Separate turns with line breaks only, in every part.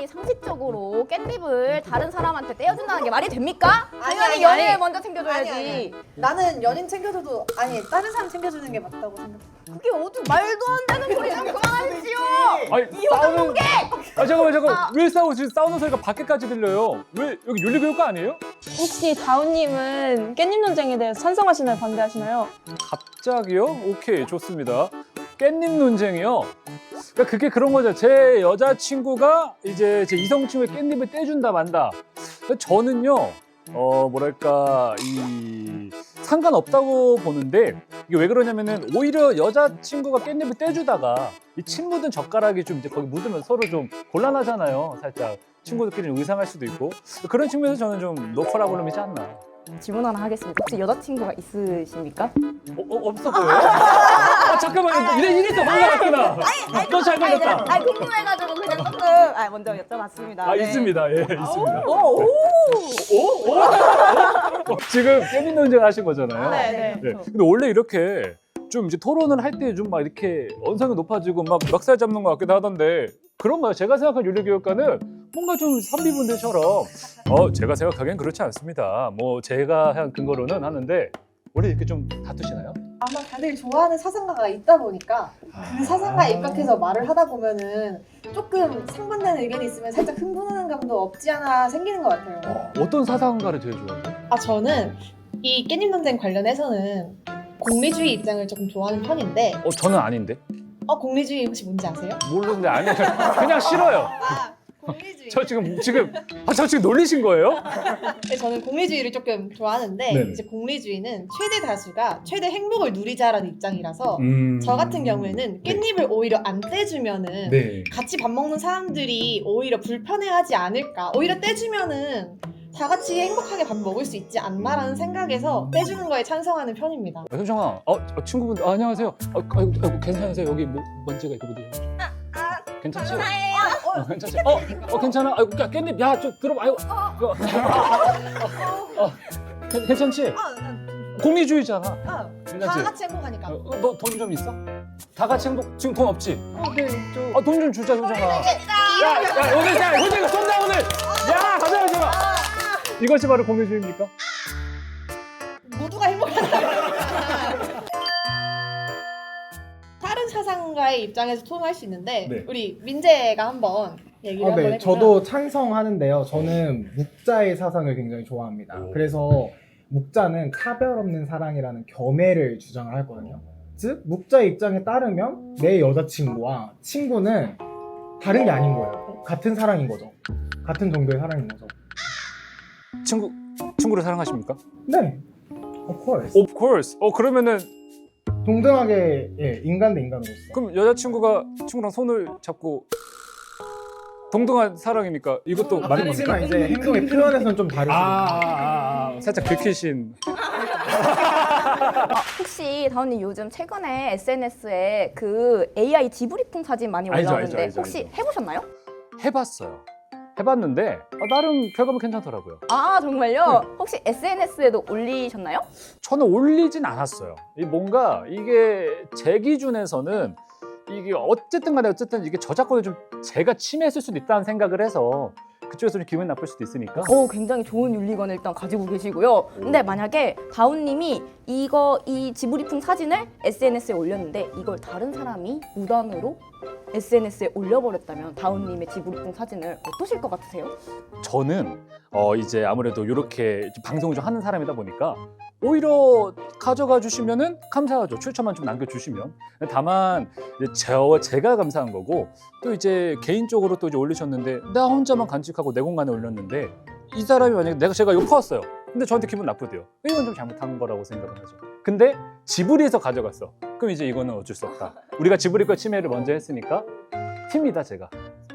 사람이 상식적으로 깻잎을 다른 사람한테 떼어준다는 게 말이 됩니까?
아니,
당연히
아니,
연인을
아니.
먼저 챙겨줘야지.
아니. 나는 연인 챙겨줘도 아니 다른 사람 챙겨주는 게 맞다고 생각해.
그게 어떻게 말도 안 되는 소리 좀 그만하시오.
아니 싸우는 잠깐만 왜 싸우지? 싸우는 소리가 밖에까지 들려요. 왜 여기 윤리교육과 아니에요?
혹시 다운님은 깻잎 논쟁에 대해서 찬성하시나요? 반대하시나요?
갑자기요? 오케이 좋습니다. 깻잎 논쟁이요. 그러니까 그게 그런 거죠. 제 여자친구가 이제 제 이성 친구의 깻잎을 떼준다 만다. 저는요 뭐랄까 이 상관없다고 보는데 이게 왜 그러냐면은 오히려 여자친구가 깻잎을 떼주다가 이 침 묻은 젓가락이 좀 이제 거기 묻으면 서로 좀 곤란하잖아요. 살짝 친구들끼리 의상할 수도 있고 그런 측면에서 저는 좀 노커라블럼이지 않나.
질문 하나 하겠습니다. 혹시 여자친구가 있으십니까?
없어 보여요? 잠깐만요. 이래서 몰라갔구나. 너 잘 걸렸다.
아니 궁금해가지고 그냥 조금 먼저 여쭤봤습니다.
아
네.
있습니다. 예 있습니다.
오.
지금 깻잎 논쟁 하신 거잖아요.
네.
네. 근데 원래 이렇게 좀 이제 토론을 할 때 좀 막 이렇게 언성이 높아지고 막 멱살 잡는 것 같기도 하던데 그런가요? 제가 생각한 윤리교육과는 뭔가 좀 선비분들처럼 제가 생각하기엔 그렇지 않습니다. 뭐 제가 한 근거로는 하는데 원래 이렇게 좀 다투시나요?
아마 다들 좋아하는 사상가가 있다 보니까 그 사상가에 입각해서 말을 하다 보면은 조금 상반되는 의견이 있으면 살짝 흥분하는 감도 없지 않아 생기는 것 같아요.
어떤 사상가를 제일 좋아해요?
아 저는 이 깻잎 논쟁 관련해서는 공리주의 입장을 조금 좋아하는 편인데
저는 아닌데.
공리주의 혹시 뭔지 아세요?
모르는데 아니에요. 그냥 싫어요.
공리주의.
저 지금 놀리신 거예요?
네, 저는 공리주의를 조금 좋아하는데
네네.
이제 공리주의는 최대 다수가 최대 행복을 누리자라는 입장이라서 저 같은 경우에는 깻잎을 오히려 안 떼주면은
네.
같이 밥 먹는 사람들이 오히려 불편해하지 않을까. 오히려 떼주면은 다 같이 행복하게 밥 먹을 수 있지 않나라는 생각에서 떼주는 거에 찬성하는 편입니다.
효정아, 친구분들 안녕하세요. 아이고, 괜찮으세요? 여기 뭐 먼지가 있고 그러죠? 괜찮지? 괜찮지? 괜찮아? 아이고, 깻잎, 야, 좀 들어봐. 아이고, 괜찮지? 공리주의잖아.
다
괜찮지?
같이 행복하니까.
너 돈 좀 있어? 다 같이 행복. 지금 돈 없지?
네,
돈 좀 주자, 효정아. 야, 오늘 효정이가 쏜다 오늘. 야, 가자, 효정아. 이것이 바로 공리주의입니까?
모두가 행복하다. 다른 사상가의 입장에서 토론할 수 있는데
네.
우리 민재가 한번 얘기를 한번
네,
해보면
저도 찬성하는데요. 저는 묵자의 사상을 굉장히 좋아합니다.
오.
그래서 묵자는 차별 없는 사랑이라는 겸해를 주장을 하거든요. 즉, 묵자의 입장에 따르면 내 여자친구와 친구는 다른 게 아닌 거예요. 같은 사랑인 거죠. 같은 정도의 사랑인 거죠.
친구를 사랑하십니까?
네, of course.
Of course. 그러면은
동등하게 인간 대 인간으로서.
그럼 여자친구가 친구랑 손을 잡고 동등한 사랑입니까? 이것도 맞는 겁니까?
하지만 이제 행동의 표현에서는 좀 다르죠.
살짝 긁히신.
혹시 다운님 요즘 최근에 SNS에 그 AI 지브리풍 사진 많이
알죠,
올라오는데
알죠,
혹시
알죠.
해보셨나요?
해봤어요. 해봤는데 나름 결과물 괜찮더라고요.
아 정말요? 혹시 SNS에도 올리셨나요?
저는 올리진 않았어요. 뭔가 이게 제 기준에서는 이게 어쨌든 간에 이게 저작권을 좀 제가 침해했을 수도 있다는 생각을 해서 그쪽에서 좀 기분이 나쁠 수도 있으니까.
굉장히 좋은 윤리관을 일단 가지고 계시고요. 근데 만약에 다운님이 이 지브리풍 사진을 SNS에 올렸는데 이걸 다른 사람이 무단으로 SNS에 올려버렸다면 다운님의 지브리풍 사진을 어떠실 것 같으세요?
저는 이제 아무래도 이렇게 방송을 좀 하는 사람이다 보니까 오히려 가져가 주시면은 감사하죠. 출처만 좀 남겨주시면. 다만 이제 제가 감사한 거고 또 이제 개인적으로 또 이제 올리셨는데 나 혼자만 간직하고 내 공간에 올렸는데 이 사람이 만약에 제가 이거 퍼왔어요. 근데 저한테 기분 나쁘대요. 이건 좀 잘못한 거라고 생각을 하죠. 근데 지브리에서 가져갔어. 그럼 이제 이거는 어쩔 수 없다. 우리가 지브리 거 침해를 먼저 했으니까 팀이다 제가.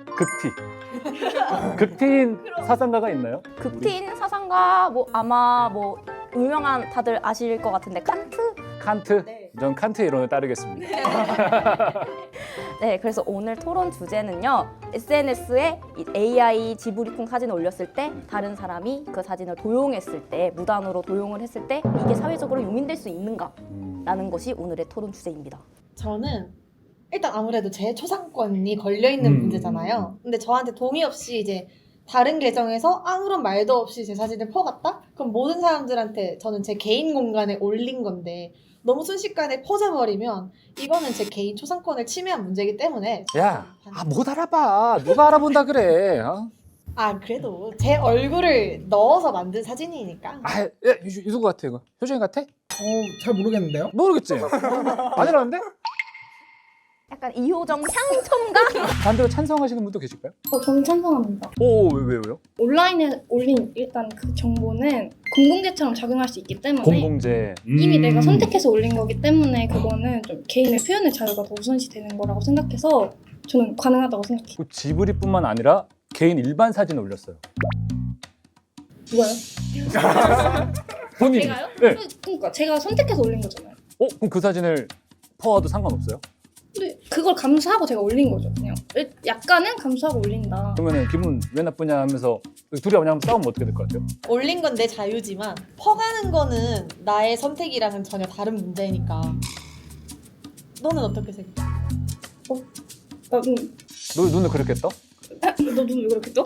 극티. 극티인 사상가가 있나요?
극티인 사상가 아마 유명한 다들 아실 것 같은데 칸트?
칸트?
네.
전 칸트 이론을 따르겠습니다.
네, 그래서 오늘 토론 주제는요. SNS에 AI 지브리풍 사진을 올렸을 때 다른 사람이 그 사진을 도용했을 때 무단으로 도용을 했을 때 이게 사회적으로 용인될 수 있는가? 라는 것이 오늘의 토론 주제입니다.
저는 일단 아무래도 제 초상권이 걸려있는 문제잖아요. 근데 저한테 동의 없이 이제 다른 계정에서 아무런 말도 없이 제 사진을 퍼갔다? 그럼 모든 사람들한테 저는 제 개인 공간에 올린 건데 너무 순식간에 퍼져버리면 이거는 제 개인 초상권을 침해한 문제이기 때문에
야, 못 알아봐. 누가 알아본다 그래. 어?
그래도 제 얼굴을 넣어서 만든 사진이니까
야, 누구 같아 이거? 효정이 같아?
잘 모르겠는데요?
모르겠지. 아니라는데?
약간 이효정 향첨가?
반대로 찬성하시는 분도 계실까요?
저는 찬성합니다.
왜요?
온라인에 올린 일단 그 정보는 공공재처럼 작용할 수 있기 때문에
공공재.
이미 내가 선택해서 올린 거기 때문에 그거는 좀 개인의 표현의 자유가 더 우선시 되는 거라고 생각해서 저는 가능하다고 생각해요.
그 지브리뿐만 아니라 개인 일반 사진을 올렸어요.
누가요?
본인이.
제가요?
네.
그러니까 제가 선택해서 올린 거잖아요.
그럼 그 사진을 퍼와도 상관없어요?
근데 그걸 감수하고 제가 올린 거죠. 그냥 약간은 감수하고 올린다.
그러면은 기분 왜 나쁘냐 하면서 둘이 그냥 싸우면 어떻게 될 것 같아요?
올린 건 내 자유지만 퍼가는 거는 나의 선택이랑은 전혀 다른 문제니까 너는 어떻게 생각해?
너 눈을 그렇게 떠?
너 눈 왜 그렇게 떠?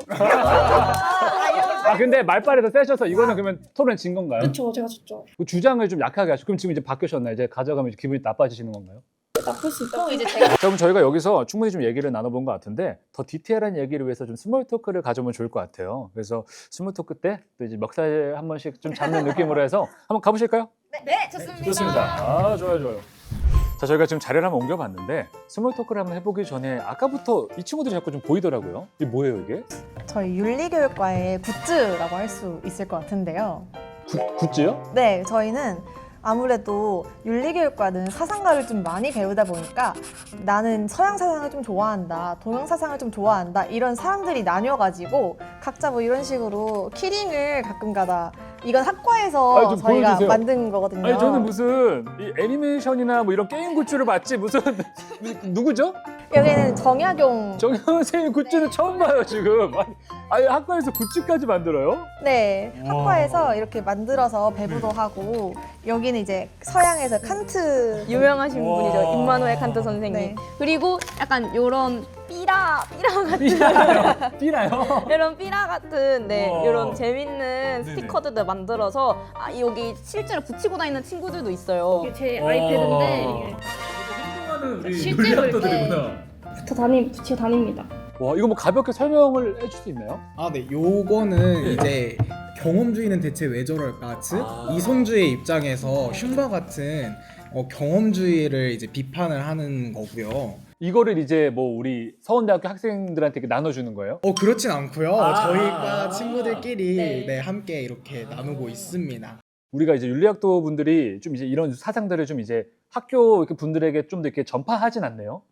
근데 말빨이 더 세셔서 이거는 그러면 토론 진 건가요?
그쵸, 제가 졌죠.
그 주장을 좀 약하게 하시고 그럼 지금 이제 바뀌셨나요? 이제 가져가면 이제 기분이 나빠지시는 건가요?
나쁠 수 있다.
그럼 이제 제가
자, 그럼 저희가 여기서 충분히 좀 얘기를 나눠본 것 같은데 더 디테일한 얘기를 위해서 좀 스몰 토크를 가져오면 좋을 것 같아요. 그래서 스몰 토크 때 또 이제 멱살 한 번씩 좀 잡는 느낌으로 해서 한번 가보실까요?
네, 좋습니다.
좋습니다. 좋아요. 자, 저희가 지금 자리를 한번 옮겨봤는데 스몰 토크를 한번 해보기 전에 아까부터 이 친구들이 자꾸 좀 보이더라고요. 이게 뭐예요, 이게?
저희 윤리교육과의 굿즈라고 할 수 있을 것 같은데요.
굿즈요?
네, 저희는 아무래도 윤리교육과는 사상가를 좀 많이 배우다 보니까 나는 서양 사상을 좀 좋아한다, 동양 사상을 좀 좋아한다 이런 사람들이 나뉘어가지고 각자 뭐 이런 식으로 키링을 가끔가다 이건 학과에서
좀
저희가
보여주세요.
만든 거거든요.
아니 저는 무슨 이 애니메이션이나 뭐 이런 게임 굿즈를 봤지 무슨 누구죠?
여기는 정약용
정현 선생님 굿즈는 처음 봐요 지금. 아니 학과에서 굿즈까지 만들어요?
네, 학과에서 이렇게 만들어서 배부도 하고 여기는 이제 서양에서 칸트
유명하신
와.
분이죠. 임마누엘 칸트 선생님.
네.
그리고 약간 요런 삐라 같은
삐나요?
이런 삐라 같은
와.
이런 재밌는
네네.
스티커들을 만들어서 여기 실제로 붙이고 다니는 친구들도 있어요.
이게 제 아이패드인데 이게 실제로 이렇게 붙여 다닙니다.
와 이거 뭐 가볍게 설명을 해줄 수 있나요?
네, 요거는 이제 경험주의는 대체 왜 저럴까? 즉 이성주의 입장에서 흉과 같은 경험주의를 이제 비판을 하는 거고요.
이거를 이제 뭐 우리 서원대학교 학생들한테 이렇게 나눠주는 거예요?
그렇진 않고요. 저희과 친구들끼리
네.
네, 함께 이렇게 나누고 있습니다.
우리가 이제 윤리학도 분들이 좀 이제 이런 사상들을 좀 이제 학교 이렇게 분들에게 좀 더 이렇게 전파하진 않네요.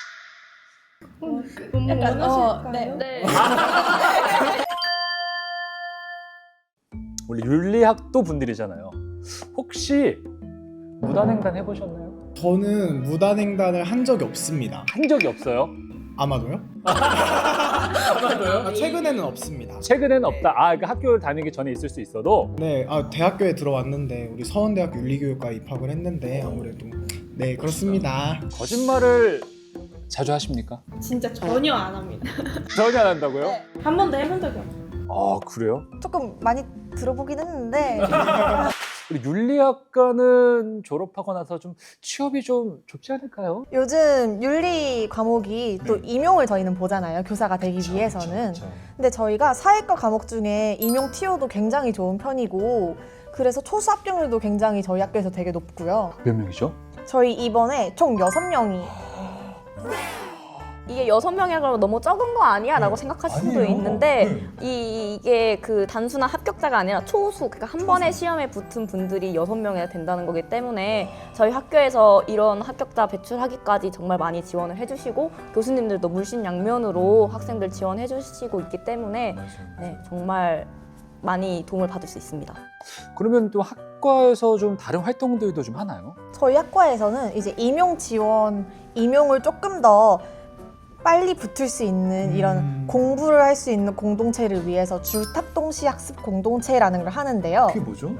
너무 원하실까요?
네.
원래 윤리학도 분들이잖아요. 혹시 무단횡단 해보셨나요?
저는 무단횡단을 한 적이 없습니다.
한 적이 없어요.
아마도요? 아마도요? 최근에는 없습니다.
최근에는 없다. 그러니까 학교를 다니기 전에 있을 수 있어도
네, 대학교에 들어왔는데 우리 서원대학교 윤리교육과에 입학을 했는데 아무래도 네 그렇습니다.
거짓말을 자주 하십니까?
진짜 전혀 안 합니다.
전혀 안 한다고요?
한 번도 해본 적이 없어요.
그래요?
조금 많이 들어보긴 했는데
우리 윤리학과는 졸업하고 나서 좀 취업이 좀 좋지 않을까요?
요즘 윤리 과목이 또
네.
임용을 저희는 보잖아요. 교사가 되기 위해서는. 근데 저희가 사회과 과목 중에 임용 티오도 굉장히 좋은 편이고 그래서 초수 합격률도 굉장히 저희 학교에서 되게 높고요.
몇 명이죠?
저희 이번에 총 6명이
이게 6명이라고 너무 적은 거 아니야? 라고 생각하실 수도
아니에요.
있는데 이게 그 단순한 합격자가 아니라 초수, 그러니까 한 번에 시험에 붙은 분들이 6명이나 된다는 거기 때문에 저희 학교에서 이런 합격자 배출하기까지 정말 많이 지원을 해주시고 교수님들도 물심양면으로 학생들 지원해 주시고 있기 때문에 네, 정말 많이 도움을 받을 수 있습니다.
그러면 또 학과에서 좀 다른 활동들도 좀 하나요?
저희 학과에서는 이제 임용 지원, 임용을 조금 더 빨리 붙을 수 있는 이런 공부를 할 수 있는 공동체를 위해서 줄탑동시 학습 공동체라는 걸 하는데요.
뭐죠?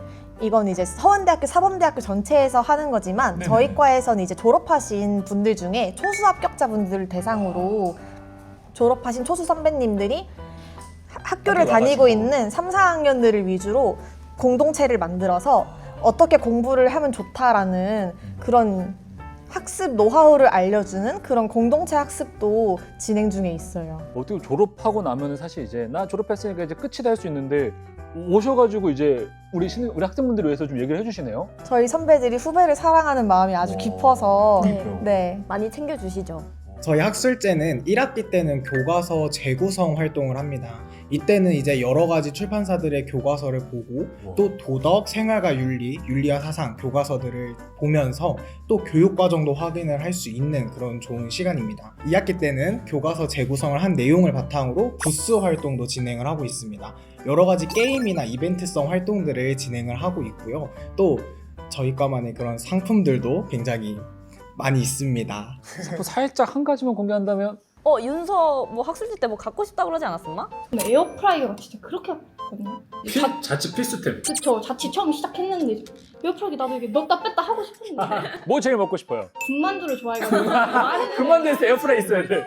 이건 이제 서원대학교, 사범대학교 전체에서 하는 거지만
네네.
저희 과에서는 이제 졸업하신 분들 중에 초수 합격자분들을 대상으로 졸업하신 초수 선배님들이 학교를
학교
다니고
와가지고.
있는 3, 4학년들을 위주로 공동체를 만들어서 어떻게 공부를 하면 좋다라는 그런 학습 노하우를 알려주는 그런 공동체 학습도 진행 중에 있어요.
어떻게 졸업하고 나면은 사실 이제 나 졸업했으니까 이제 끝이다 할 수 있는데 오셔가지고 이제 우리 학생분들을 위해서 좀 얘기를 해주시네요.
저희 선배들이 후배를 사랑하는 마음이 아주 깊어서
네.
네.
많이 챙겨주시죠.
저희 학술제는 1학기 때는 교과서 재구성 활동을 합니다. 이때는 이제 여러 가지 출판사들의 교과서를 보고 또 도덕, 생활과 윤리, 윤리와 사상 교과서들을 보면서 또 교육과정도 확인을 할 수 있는 그런 좋은 시간입니다. 2학기 때는 교과서 재구성을 한 내용을 바탕으로 부스 활동도 진행을 하고 있습니다. 여러 가지 게임이나 이벤트성 활동들을 진행을 하고 있고요. 또 저희 과만의 그런 상품들도 굉장히 많이 있습니다.
또 살짝 한 가지만 공개한다면
윤서 뭐 학술지 때 뭐 갖고 싶다 그러지 않았었나?
근데 에어프라이어가 진짜 그렇게 아팠거든요.
자칫 필수템.
그쵸. 자취 처음 시작했는데 에어프라이기 나도 이게 넣었다 뺐다 하고 싶었는데
뭐 제일 먹고 싶어요?
군만두를 좋아해가지고
그만 돼서 에어프라이 있어야 돼.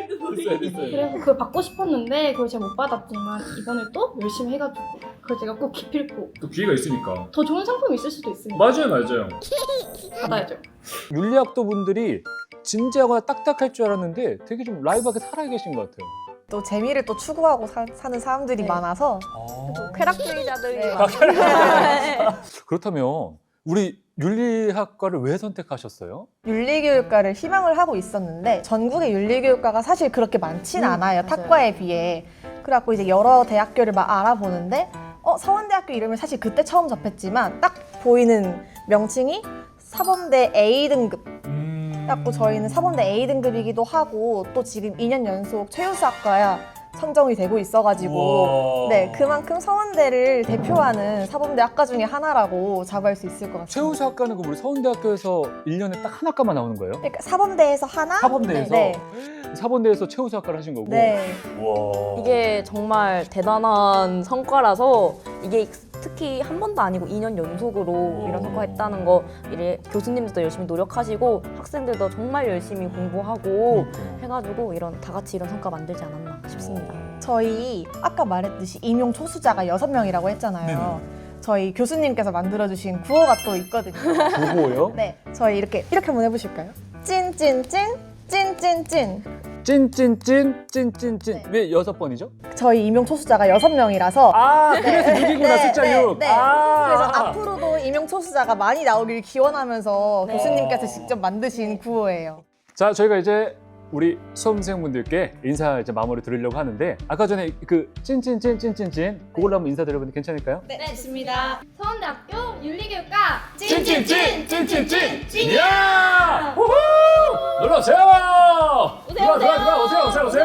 그래서 그걸 받고 싶었는데 그걸 제가 못 받았지만 이번에 또 열심히 해가지고 그걸 제가 꼭 기필코
또 기회가 있으니까.
더 좋은 상품이 있을 수도 있으니까
맞아요.
받아야죠.
윤리학도 분들이 진지하거나 딱딱할 줄 알았는데 되게 좀 라이브하게 살아계신 것 같아요.
또 재미를 또 추구하고 사는 사람들이
네.
많아서
쾌락주의자들이
네.
막
그렇다면 우리 윤리학과를 왜 선택하셨어요?
윤리교육과를 희망을 하고 있었는데 전국의 윤리교육과가 사실 그렇게 많진 않아요.
맞아요.
탁과에 비해. 그래갖고 이제 여러 대학교를 막 알아보는데 서원대학교 이름을 사실 그때 처음 접했지만 딱 보이는 명칭이 사범대 A등급. 그래갖고 저희는 사범대 A등급이기도 하고 또 지금 2년 연속 최우수학과야 선정이 되고 있어가지고 네 그만큼 서원대를 대표하는 사범대 학과 중에 하나라고 자부할 수 있을 것 같습니다.
최우수학과는 그 우리 서울대학교에서 1년에 딱 한 학과만 나오는 거예요?
그러니까 사범대에서 하나?
사범대에서?
네.
사범대에서 최우수학과를 하신 거고?
네.
와.
이게 정말 대단한 성과라서 이게 특히 한 번도 아니고 2년 연속으로 이런 성과 했다는 거 이래 교수님들도 열심히 노력하시고 학생들도 정말 열심히 공부하고 해가지고 이런 다 같이 이런 성과 만들지 않았나 싶습니다.
저희 아까 말했듯이 임용 초수자가 6명이라고 했잖아요. 저희 교수님께서 만들어주신 구호가 또 있거든요.
보고요?
네, 저희 이렇게 한번 해보실까요? 찐찐찐 찐찐찐.
찐찐찐
네.
왜 6번이죠?
저희 임용 초수자가 6명이라서
아 그래서 6이구나 숫자 6.
네.
아.
그래서 앞으로도 임용 초수자가 많이 나오길 기원하면서 교수님께서 직접 만드신 구호예요.
자 저희가 이제 우리 수험생분들께 인사 이제 마무리 드리려고 하는데 아까 전에 그 찐찐찐찐찐찐 그걸로 한번 인사드려보는데 괜찮을까요?
네, 좋습니다.
서원대학교 윤리교육과
찐찐찐찐찐찐 찐이야! 우후! 놀러 오세요! 들어와 오세요.